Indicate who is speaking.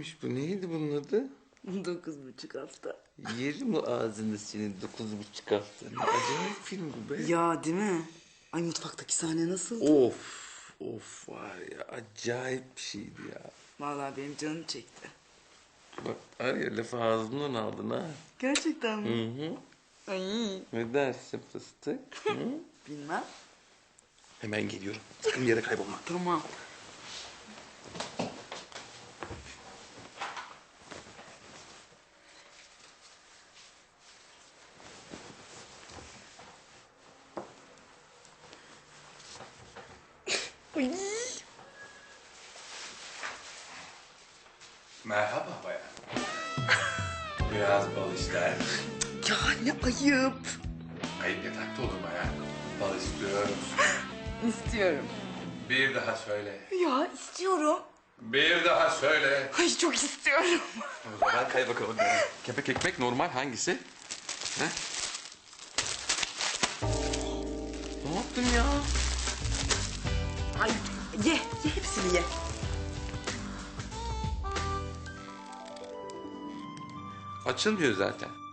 Speaker 1: Neymiş bu? Neydi bunun adı?
Speaker 2: 9,5 hafta.
Speaker 1: Yerim o ağzını senin 9,5 hafta. Ne acayip film bu be.
Speaker 2: Ya değil mi? Ay mutfaktaki sahne nasıldı?
Speaker 1: Of. Of var ya. Acayip bir şeydi ya.
Speaker 2: Vallahi benim canım çekti.
Speaker 1: Bak var ya lafı ağzımdan aldın ha.
Speaker 2: Gerçekten mi?
Speaker 1: Hı hı.
Speaker 2: Ay
Speaker 1: Ne dersin fıstık? Hı?
Speaker 2: bilmem.
Speaker 1: Hemen geliyorum. Sakın bir yere kaybolma.
Speaker 2: Tamam. Ay.
Speaker 3: Merhaba bayan. Biraz bal ister.
Speaker 2: Ya ne ayıp.
Speaker 3: Ayıp yatakta olur bayan. Bal istiyorum.
Speaker 2: İstiyorum.
Speaker 3: Bir daha söyle.
Speaker 2: Ya istiyorum.
Speaker 3: Bir daha söyle.
Speaker 2: Ay çok istiyorum.
Speaker 1: O zaman kay bakalım. Kepek ekmek normal hangisi? He? Ne yaptın ya?
Speaker 2: Ay ye hepsini ye.
Speaker 1: Açılmıyor zaten.